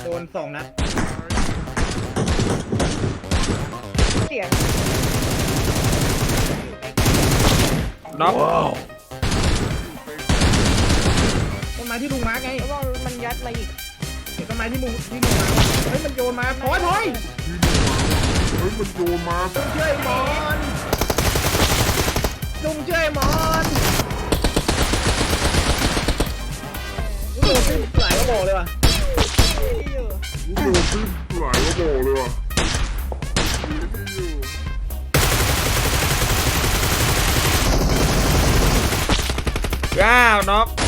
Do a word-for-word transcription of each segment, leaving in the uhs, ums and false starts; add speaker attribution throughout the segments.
Speaker 1: โดนสองนัด
Speaker 2: เสียง
Speaker 3: น็อก
Speaker 1: ต้นไม้ที่ลุงมาร์กไง
Speaker 2: แล้วว่ามันยัดมาอีก
Speaker 1: เดี๋ยวต้นไม้ที่ลุงที่ลุงมาร์กเฮ้ยมันโยนมาพอยพอย
Speaker 4: เฮ้ยมันโยนมา
Speaker 1: ลุงเชื่อไอ้มอนลุงเชื่อไอ้มอนลุงโดนขึ้นหลายกระบอกเลยว่ะ
Speaker 4: ลูกโดนขึ้นหลายกระบอกเลยว่ะ
Speaker 3: ว้าวน็อก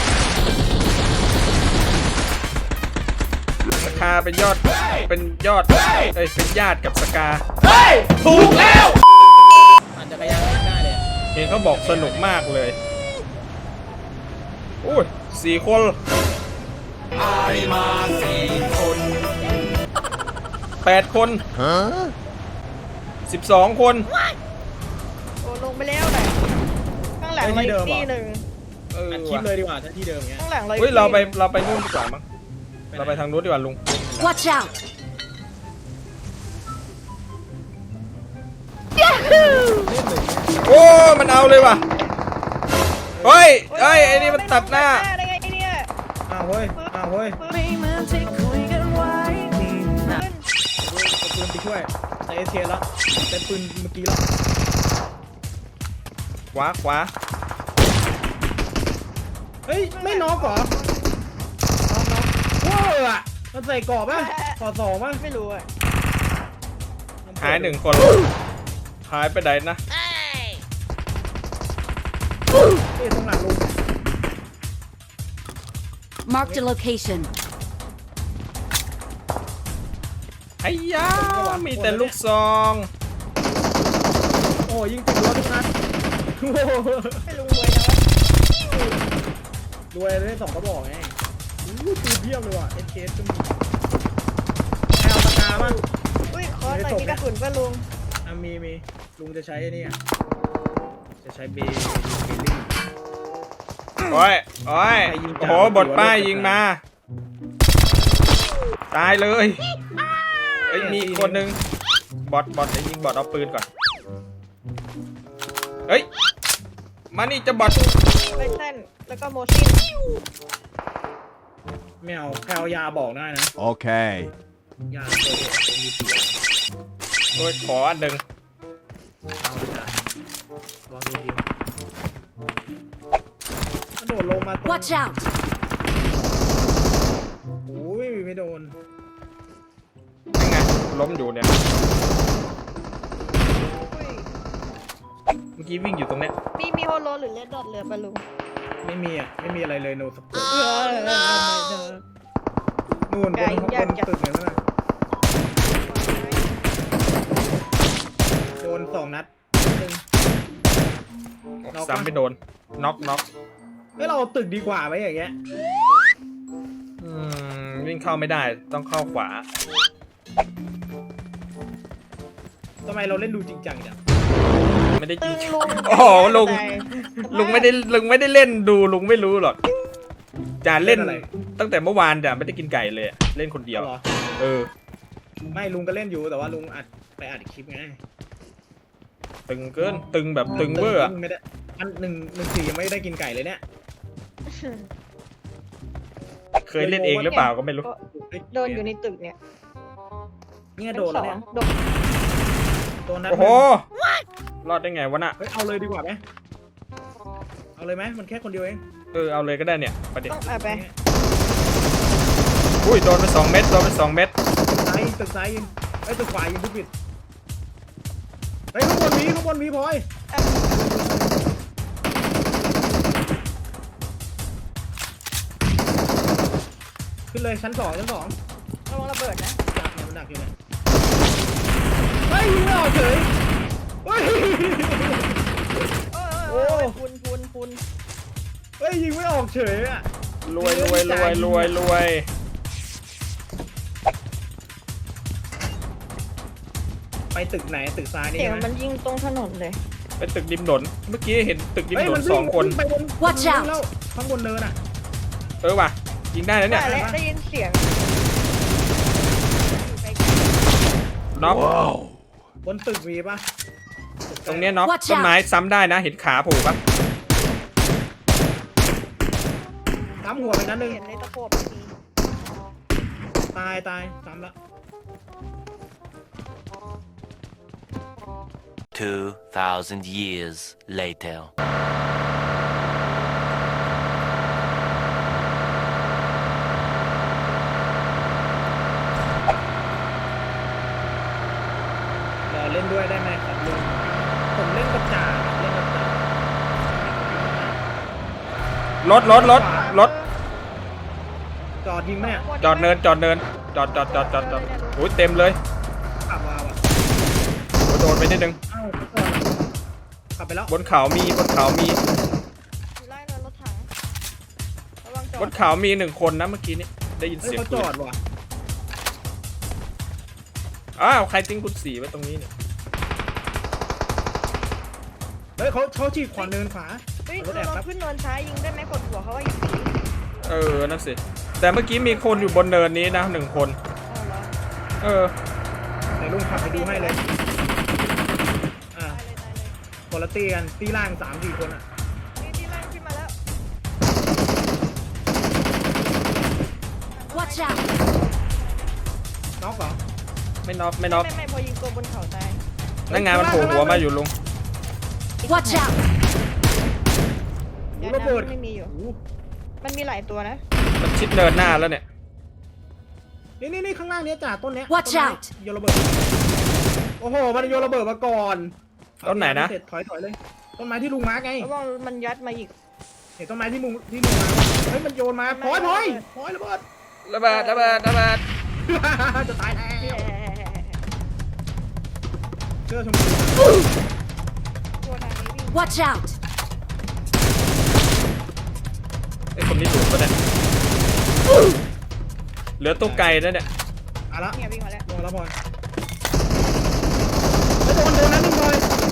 Speaker 3: สกาเป็นยอดเป็นยอดเอ้ยเป็นญาติกับสกาเฮ้ยถูกแล้ว
Speaker 1: อาจจะพยายามได้เลย
Speaker 3: เห็นเขาบอกสนุกมากเลยอุ้ยสี่คนไอมาสี่คนแปดคนฮะสิบสองคน
Speaker 2: โอ้ลงไปแล้วไหนข้างหลังเราอีกที่หนึ่ง
Speaker 3: เออ
Speaker 1: อัดคลิปเลยดีกว่าถ้าที่เดิมเงี้ย
Speaker 2: ข้างหลังเรา
Speaker 3: เฮ้ยเราไปเราไปนู่นดีกว่ามั้งเราไปทางนู้นดีกว่าลุง
Speaker 5: Watch out
Speaker 3: โอ้มันเอาเลยว่ะเฮ้ยเฮ้ยไอ้นี่มันตัดหน้า
Speaker 2: ได้ไงเนี่ย
Speaker 1: อ้าวเฮ้ยอ้าวเฮ้ยเอาปืนไปช่วยใส่เอเทียแล้วใส่ปืนเมื่อกี้แล้ว
Speaker 3: ขวาขวา
Speaker 1: เฮ้ยไม่น็อกเหรอน็อกน็อกว้าวอ่ะมันใส่กรอบป่ะต่อสองป่ะ
Speaker 2: ไม่รู้อ่ะ
Speaker 3: หายหนึ่งคนหายไปไหนนะ
Speaker 1: นี่ตรงหลังลุง
Speaker 5: Mark the location
Speaker 3: ไอ้ยามีแต่ลูกซอง
Speaker 1: โอ้ยิงติดรถทุกนัด
Speaker 2: ให้ลุงรวยนะ
Speaker 1: รวยได้สองกระบอกไงอู้ปืนเพียบเลยว่ะเอสเคสก็มีให้เอาปากกาบ้าง
Speaker 2: อุ้ยคอร์สอะไรมีกระสุนป่ะลุง
Speaker 1: อ่ะมีมีลุงจะใช้ไอ้นี่จะใช้เบย์เบลลี่
Speaker 3: โอ้ยโอ้ยโอ้โหบทป้ายยิงมาตายเลยเอ้ยมีคนหนึ่งบอทบอทไอ้ยิงบอทเอาปืนก่อนเฮ้ยมานี่จะบอท
Speaker 2: ไปเส้นแล้วก็โมชั่น
Speaker 1: ไม่เอาแค่เอายาบอกได้นะ
Speaker 4: โอเค
Speaker 1: ยาตัวเดียวมีเสีย
Speaker 3: โดยขออันหนึ่ง
Speaker 1: เอาจ้ะวางดีๆกระโดดลงมาตรง
Speaker 5: Watch out
Speaker 1: โอ้ยไม่โดน
Speaker 3: ยังไงล้มอยู่เนี่ยเมื่อกี้วิ่งอยู่ตรงเนี้ย
Speaker 2: มีมีโฮโลหรือเลดดอทเหลือปะลุง
Speaker 1: ไม่มีอ่ะไม่มีอะไรเลยโนสปอร์ตนู่นบนบนตึกเนี่ยนะโดนสองนัดหนึ่ง
Speaker 3: ซ้ำไม่โดนน็อกน็อก
Speaker 1: เฮ้ยเราตึกดีกว่าไหมอย่างเงี้ย
Speaker 3: อืมวิ่งเข้าไม่ได้ต้องเข้าขวา
Speaker 1: ทำไมเราเล่นดูจริงจังจัง
Speaker 3: ไม่ได้จริงโอ้โหลุงลุงไม่ได้ลุงไม่ได้เล่นดูลุงไม่รู้หรอกจ่าเล่นตั้งแต่เมื่อวานจ่าไม่ได้กินไก่เลยเล่นคนเดียวเออ
Speaker 1: ไม่ลุงก็เล่นอยู่แต่ว่าลุงอัดไปอัดคลิปไง
Speaker 3: ตึงเกินตึงแบบตึงเวอร์
Speaker 1: ไม่ได้อันหนึ่งหนึ่งสี่ยังไม่ได้กินไก่เลยเนี่ย
Speaker 3: เคยเล่นเองหรือเปล่าก็ไม่รู้
Speaker 2: โดนอยู่ในตึกเนี่ย
Speaker 1: เนี่ยโดนแล้วเนี่ยโดนนัด
Speaker 3: โอ้โหรอดได้ไงวะน่ะ
Speaker 1: เฮ้ยเอาเลยดีกว่าไหมเอาเลยไหมมันแค่คนเดียวเอง
Speaker 3: เออเอาเลยก็ได้เนี่ยประเด็น
Speaker 2: ต้องเอาไป
Speaker 3: อุ้ยโดนไปสองเม็ดโดนไปสองเม็ด
Speaker 1: ซ้ายตึกซ้ายยิงไอ้ตึกขวายิงทุกปิดเฮ้ยข้างบนมีข้างบนมีพลอยขึ้นเลยชั้นสองชั้นสอง
Speaker 2: ระวังระเบิดนะ
Speaker 1: ดักเนี่ยมันดักอยู่เนี่ยเฮ้ยยิงไม่ออกเฉยเฮ้ย
Speaker 2: โอ้ยพุนพุนพุน
Speaker 1: เฮ้ยยิงไม่ออกเฉยอ่ะ
Speaker 3: รวยรวยรวยรวยรวย
Speaker 1: ไปตึกไหนตึกซ้ายนี่
Speaker 2: เสียงมันยิงตรงถนนเลย
Speaker 3: เป็นตึกริมถนนเมื่อกี้เห็นตึกริมถนนสองคน
Speaker 5: Watch out
Speaker 1: ข้างบนเนินอ่ะ
Speaker 3: เออว่ะยิงได้แล้วเนี่ย
Speaker 2: ได้ยินเสียง
Speaker 3: น็อก
Speaker 1: บนตึกมีปะ
Speaker 3: ตรงเนี้ยน็อก
Speaker 5: Watch out
Speaker 3: ต้นไม้ซ้ำได้นะเห็นขาโผล่ปะ
Speaker 1: ซ้ำหัวไปนัดหนึ่ง
Speaker 2: เห็นในตะโขบไม่มี
Speaker 1: ตายตายซ้ำละ
Speaker 6: Two thousand years later.
Speaker 1: รอเล่นด้วยได้ไหมครับลุงผมเล่นกับจ่าเล่นกับจ่าร
Speaker 3: ถรถรถรถ
Speaker 1: จอดยิงไหมเนี่ย
Speaker 3: จอดเนินจอดเนินจอดจอดจอดจอดจอดโอ้ยเต็มเลย
Speaker 1: ขับมาว่ะ
Speaker 3: โอ้ยโดนไปนิดนึง
Speaker 1: เอ้าจอดขับไปแล้ว
Speaker 3: บนเขามีบนเขามี
Speaker 2: อยู่ไล่เนินรถถังระวังจอด
Speaker 3: บนเขามีหนึ่งคนนะเมื่อกี้นี้ได้ยิน
Speaker 1: เฮ้ย
Speaker 3: เสียง
Speaker 1: เขาจ
Speaker 3: ปื
Speaker 1: อน ดว่ะ
Speaker 3: อ้าวใครทิ้งกุญสีไว้ตรงนี้เนี่ย
Speaker 1: เฮ้ยเขาเขาฉีกขวาเนินขวา
Speaker 2: เฮ้ย
Speaker 1: เอารถแอ
Speaker 2: เรา
Speaker 1: บ
Speaker 2: ลอง
Speaker 1: ครับ
Speaker 2: ขึ้นเนินซ้ายยิงได้ไหมกดหัวเขาว่ายิงผี
Speaker 3: เออนั่นสิแต่เมื่อกี้มีคนอยู่บนเนินนี้นะหนึ่งคน
Speaker 2: เอาเหรอ
Speaker 3: เออ
Speaker 1: เดี๋ยวลุงขับไปดูให้เลยอ่า
Speaker 2: ตายเลยตายเลย
Speaker 1: คนละตีกันตีล่างสามสี่คนอ่ะ
Speaker 2: นี่ที่ไล่ขึ้นมาแล้ว
Speaker 5: Watch out!
Speaker 1: น็อกเหรอ
Speaker 3: ไม่น็อกไม่น็อก
Speaker 2: ไม่ไม่พอยิงตัวบนเขาตาย
Speaker 3: นั่งงานมันโผล่หัวมาอยู่ลุง
Speaker 5: Watch out!
Speaker 2: เดี๋ยว
Speaker 1: ระเบิด
Speaker 2: น้ำไม่มีอยู่
Speaker 1: โอ้โห
Speaker 2: มันมีหลายตัวนะ
Speaker 3: มันชิดเนินหน้าแล้วเนี่ย
Speaker 1: นี่นี่นี่ข้างล่างเนี้ยจ่าต้นเนี้ย
Speaker 5: Watch
Speaker 1: ต้นไม้
Speaker 5: out
Speaker 1: โยนระเบิดโอ้โหมันโยนระเบิดมาก่อน
Speaker 3: ต้นไหนนะ
Speaker 1: เสร็จถอยถอยเลยต้นไม้ที่ลุงมาร์กไง
Speaker 2: ระวังมันยัดมาอีก
Speaker 1: เห็นต้นไม้ที่ลุงที่ลุงมาร์กเฮ้ยมันโยนมาพลอยพลอยพลอยระเบิด
Speaker 3: ระเบิดระเบิดระเบิด
Speaker 1: จะตายแล้ว
Speaker 2: แย่
Speaker 1: เสื้อชมพู
Speaker 2: ตัวทางนี้วิ่ง
Speaker 5: Watch out!
Speaker 3: ไอ้คนนี้ถูกปะเนี่ยเหลือตัวไกลแล้วเนี่ย
Speaker 1: เอาละ
Speaker 2: เนี่ยวิ่งมาแล้ว
Speaker 1: ลงแล้วพลอยเฮ้ยโดนโดนนั้นหนึ่งพลอย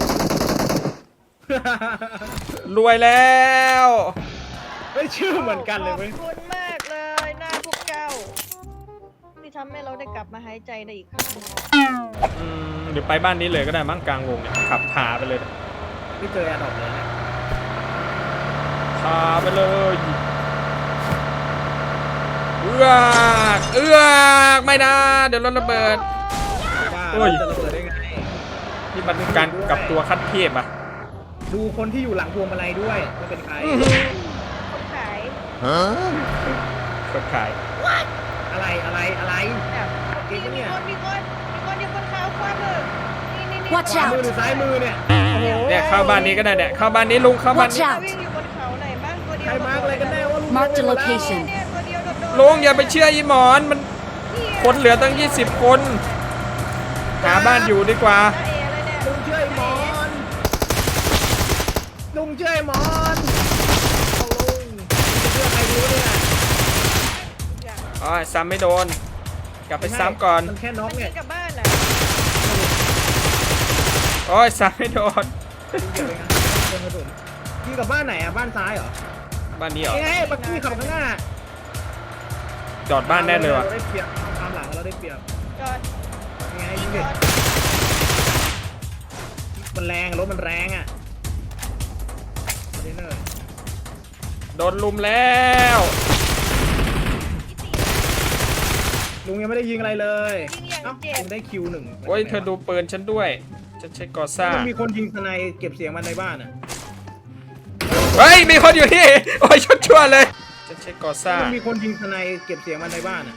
Speaker 3: รวยแล้ว
Speaker 1: เฮ้ยชื่อเหมือนกันเลยเว้ย
Speaker 2: ขอบคุณมากเลยหน้าพวกเจ้าที่ทำให้เราได้กลับมาหายใจได้อีกครั้ง
Speaker 3: อืมเดี๋ยวไปบ้านนี้เลยก็ได้มั้งกลางวงเนี่ยขับพาไปเลย
Speaker 1: ไม่เจอแอร์ดรอปเลยนะ
Speaker 3: พาไปเลยเอื้อกเอื้อกไม่นะเดี๋ยวรถระเบิด
Speaker 1: ว่า
Speaker 3: โอ้ย
Speaker 1: จะระเบิดได้ไง
Speaker 3: นี่มันการกลับตัวขั้นเทพอะ
Speaker 1: ดูคนที่อยู่หลังพวงมาลัยด้วยว่าเป็นใคร
Speaker 2: คนขาย
Speaker 3: คนขาย
Speaker 1: อะไรอะไรอะไร
Speaker 2: แบบมีมีคนมีคนมีคนอยู่บนเขาขวามือนี่นี่นี่
Speaker 5: Watch
Speaker 1: ขวา
Speaker 5: out
Speaker 1: มือหรือซ้ายมือเนี่ยโอ้โห
Speaker 3: เนี่ยเข้าบ้านนี้ก็ได้เนี่ยเข้าบ้านนี้ลุงเข้าบ้าน
Speaker 5: Watch
Speaker 3: นี้
Speaker 5: out
Speaker 2: วิ่งอยู่บนเขาไหนบ้างตัวเดียว
Speaker 1: ใครมาร์กอะไรกันแน่ว่าลุง
Speaker 5: Mark the
Speaker 1: ลงไปหมดแล้ว
Speaker 5: location
Speaker 2: เนี่ยตัวเดียวโดดๆ
Speaker 3: ลุงอย่าไปเชื่ออีหมอนมันคนเหลือตั้งยี่สิบคนหาบ้านอยู่ดีกว่า
Speaker 2: ตาเอเลยเนี่ย
Speaker 1: ลุงเชื่อไอ้หมอนลุงเชื่อไอ้หมอนเอาลุงจะเชื่อใครดีวะเนี่ย
Speaker 2: อย่าง
Speaker 3: อ๋อซ้ำไม่โดน กลับไปซ้ำก่อน
Speaker 1: มันแค่น็อก
Speaker 2: มัน
Speaker 1: เนี่
Speaker 2: ยิ
Speaker 1: ย
Speaker 2: งกลับบ้านน่ะ
Speaker 3: โอ้ยซ้ำไม่โดน
Speaker 1: ลุงเก็บไปงานเดินกระสุนยิงกับบ้านไหนอ่ะบ้านซ้ายเหรอ
Speaker 3: บ้านนี้เหรอ
Speaker 1: ไอ้ไงบักกี้ขับข้างหน้า
Speaker 3: จอดบ้านแน่เลยว่ะ
Speaker 1: เราได้เปรียบตามหลังเราได้เปรียบ
Speaker 2: จอด
Speaker 1: ยังไง
Speaker 2: ยิ
Speaker 1: ยิ
Speaker 2: ง
Speaker 1: ง
Speaker 2: จ
Speaker 1: เด็
Speaker 2: อด
Speaker 1: มันแรงรถมันแรงอ่ะคอนเทนเนอร์
Speaker 3: โดนลุมแล้ว
Speaker 1: ลุงยังไม่ได้ยิงอะไรเลย
Speaker 2: ยิงอย่าง
Speaker 1: เอ้า
Speaker 2: เจ็บ
Speaker 1: ลุงได้คิวหนึ่ง
Speaker 3: โอ้ยเธอดูปืนฉันด้วย ฉันใช้กอซ่า
Speaker 1: มันมีคนยิงสไนเก็บเสียงมันในบ้านอ่ะ
Speaker 3: เฮ้ยมีคนอยู่นี่ โอ้ยชุดชั่วเลย ฉันใช้กอซ่า
Speaker 1: มันมีคนยิงสไนเก็บเสียงมันในบ้านอ่ะ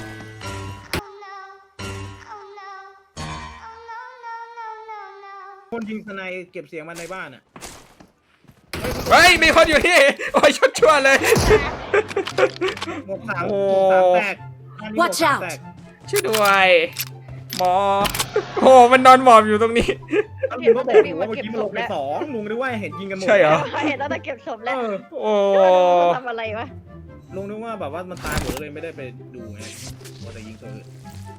Speaker 1: คนยิงสไนเก็บเสียงมันในบ้านอ่ะ
Speaker 3: เฮ้ยมีคนอยู่นี่ โอ้ยชุดชั่วเลย
Speaker 1: หมวกสาม
Speaker 3: โอ้
Speaker 1: หมวกสามแตกบ้านนี้หมวก
Speaker 5: Watch
Speaker 1: สาม
Speaker 5: out
Speaker 1: แตก
Speaker 3: ช่วยด้วยหมอโอ้มันนอนหมอบอยู่ตรงนี้
Speaker 1: ลุงก็บอกอยู่ว่าเมื่อกี้มันลงไปสองลุงนึกว่าเห็นยิงกันหมด
Speaker 3: ใช่เหรอ
Speaker 2: เห็นแล้วแต่เก็บศพ
Speaker 1: เอ
Speaker 2: แล้ว
Speaker 1: อ
Speaker 3: โอ้
Speaker 2: ทำอะไรวะ
Speaker 1: ลุงนึกว่าแบบว่ามันตายหมดเลยไม่ได้ไปดูไงว่าแต่ยิงตัวอื่น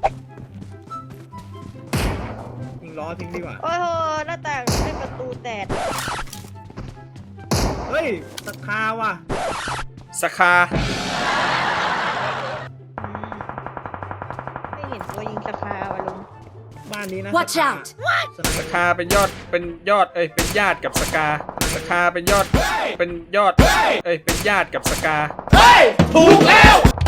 Speaker 1: ยิงล้อทิ้งดีกว่า
Speaker 2: โอ้โหหน้าต่างเป็นประตูแตก
Speaker 1: เฮ้ยสักคาว่ะ
Speaker 3: สคา
Speaker 2: ไม่เห็นตัวยิงสคาวะลุง
Speaker 1: บ้านบ้านนี้นะ
Speaker 5: Watch out
Speaker 1: สไน
Speaker 3: สกาเป็นยอดเป็นยอดเอ้ยเป็นญาติกับสกาสกาเป็นยอดเป็นยอดเอ้ยเป็นญาติกับสกาเฮ้ยถูกแล้ว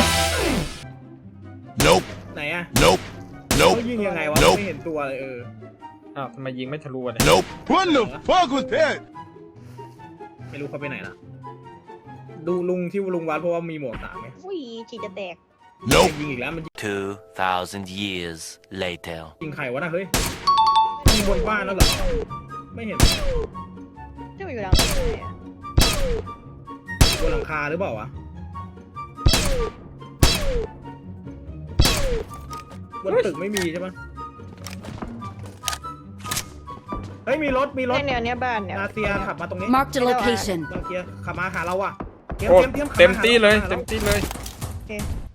Speaker 4: Nope.
Speaker 1: ไหนอะ
Speaker 4: Nope.
Speaker 1: เขา
Speaker 4: Nope.
Speaker 1: ยิงยังไงวะ
Speaker 4: Nope
Speaker 1: ไม่เห็นตัวเลยเออ
Speaker 3: อ้าวทำไมยิงไม่ทะลุอะเนี่ย
Speaker 4: Nope. What the fuck was that?
Speaker 1: ไม่รู้เขาไปไหนละดูลุงที่ลุงวัดเพราะว่ามีหมวกสามไง
Speaker 2: อุ้ยจีจะแตก
Speaker 4: Nope.
Speaker 1: ยิงอีกแล้วมัน
Speaker 6: Two thousand years later.
Speaker 1: ยิงใครวะนะเฮ้ยยิงบนบ้านแล้วเหรอไม่เห็น
Speaker 2: จะมาอยู่หลังไหนอะ
Speaker 1: บนหลังคาหรือเปล่าวะบนตึกไม่มีใช่ปะเฮ้ยมีรถมีรถ
Speaker 2: ในแนวเนี้ยบ้านเนี่ย
Speaker 1: นาเซียขับมาตรงนี้
Speaker 5: Marked a location.
Speaker 1: นาเซียขับมาหาเราอ่ะเตรียม
Speaker 3: โอ้
Speaker 1: เตรียมเตรียมขับ
Speaker 3: เต็ม
Speaker 1: าหา
Speaker 3: ที่เลย
Speaker 1: หารา
Speaker 3: เต็มที่เลย
Speaker 2: โอเค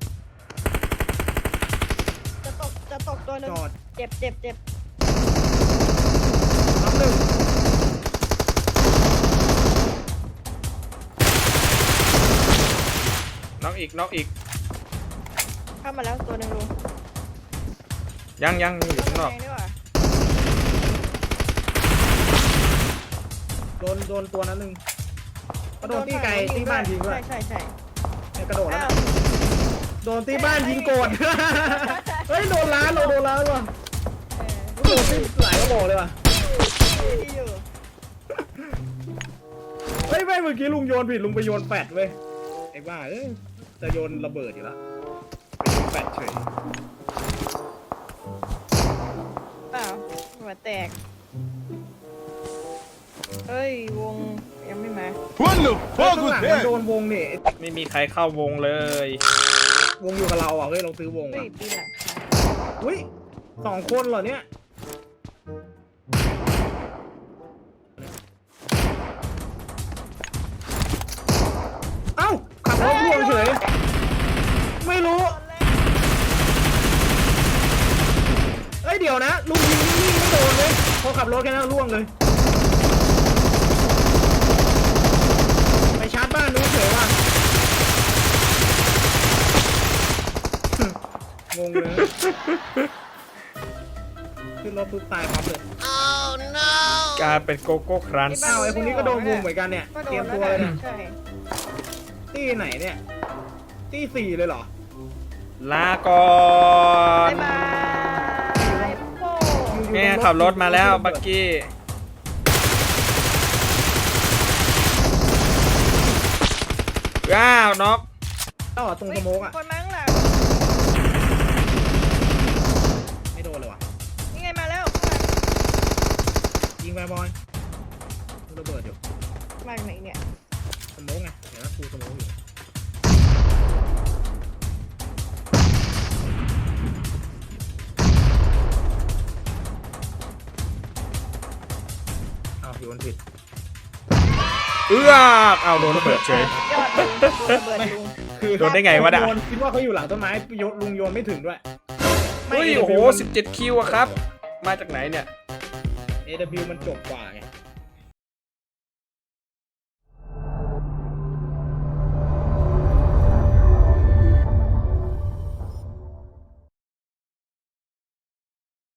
Speaker 2: จะตกจะตกตัวหนึง
Speaker 1: จอด
Speaker 2: เจ็บเจ็บเจ็บ
Speaker 1: น้ำหนึ่ง
Speaker 3: น้องอีกน้องอีก
Speaker 2: เข้ามาแล้วตัวหนึงลุง
Speaker 3: ยังยังยังอยู่ข้างนอก
Speaker 2: แดงด้วยว่ะ
Speaker 1: โดนโดนตัวนั้นหนึ่งก็โดนตีไก่ตีบ้านยิงด้วย
Speaker 2: ใช่ใช่ใช่
Speaker 1: กระโดดแล้ว
Speaker 2: อ้า
Speaker 1: นะ
Speaker 2: ว
Speaker 1: โดนตีบ้านยิงโกรธ เฮ้ยโดนล้านเราโดนล้านว่ะ
Speaker 2: เออ
Speaker 1: โดนตีหลายก็บอกเลยว่ะ
Speaker 2: ดีอยู่
Speaker 1: เฮ้ยไม่เมื่อกี้ลุงโยนผิดลุงไปโยนแฟดเว้ยไอ้บ้าเอ้ยจะโยนระเบิดอยู่แล้วไปโยนแฟดเฉย
Speaker 2: เปล่าหัวแตกเฮ้ยวงยังไม่มา
Speaker 4: What the
Speaker 1: เฮ้ย
Speaker 4: fuck
Speaker 1: ข้าง
Speaker 4: was
Speaker 1: หลังมันโด
Speaker 4: that?
Speaker 1: นวงนี่
Speaker 3: ไม่มีใครเข้าวงเลย
Speaker 1: วงอยู่กับเราอ่ะเฮ้ยเราซื้อวง
Speaker 2: เฮ้
Speaker 1: อ่ะ
Speaker 2: ยปีนหลังคา
Speaker 1: อุ้ยสองคนเหรอเนี่ยเอ้าขับรถล่วงเฉยไม่รู้เอ้ยเดี๋ยวนะลุงยิงนิ่งๆไม่โดนเลยพอขับรถแค่นั้นล่วงเลยไปชาร์จบ้านนู้นเฉยว่ะ งงเลยขึ้นรถปุ๊บตายปั๊บเลย
Speaker 3: กลายเป็นโกโก้ครันช์
Speaker 1: อ้าวไอ้คนนี้ก็โดนวงเหมือนกันเนี่ย
Speaker 2: ก็โด
Speaker 1: เตรีย
Speaker 2: น
Speaker 1: ม
Speaker 2: แล้
Speaker 1: ตัว วเลย
Speaker 2: นะ
Speaker 1: นะ
Speaker 2: ใช่
Speaker 1: ตี้ไหนเนี่ยตี้สี่เลยเหรอ
Speaker 3: ลาก่อน
Speaker 2: บ๊ายบายโป้
Speaker 1: อยู่
Speaker 3: แม่
Speaker 1: ตง
Speaker 3: ขับรถมาแล้วบักกี้ว้าวน็อก
Speaker 1: เอ้าตรงสโมกอ่ะ
Speaker 2: คนมั้งหลัง
Speaker 1: ไม่โดนเลยว่ะ
Speaker 2: นี่ไงมาแล้ว
Speaker 1: ยิงไปบอยระเบิดอยู่
Speaker 2: ข้างหลังมาจากไหนเนี่ย
Speaker 1: สโมกไงเดี๋ยวนะครูสโมกอยู่อ้าวอยู่บนผิด
Speaker 3: เอื้อกเอาโดนระเบิดเฉย
Speaker 2: ยอดเลยระเบิดลุง
Speaker 1: คือ
Speaker 3: โดนได้ไงวะน่ะ
Speaker 1: โยนคิดว่าเขาอยู่หลังต้นไม้โยนลุงโยนไม่ถึงด้วย
Speaker 3: เฮ้ยโอ้โหสิบเจ็ดคิวอะครับ มาจากไหนเนี่ย
Speaker 1: เอ ดับเบิลยู มันจบกว่าไง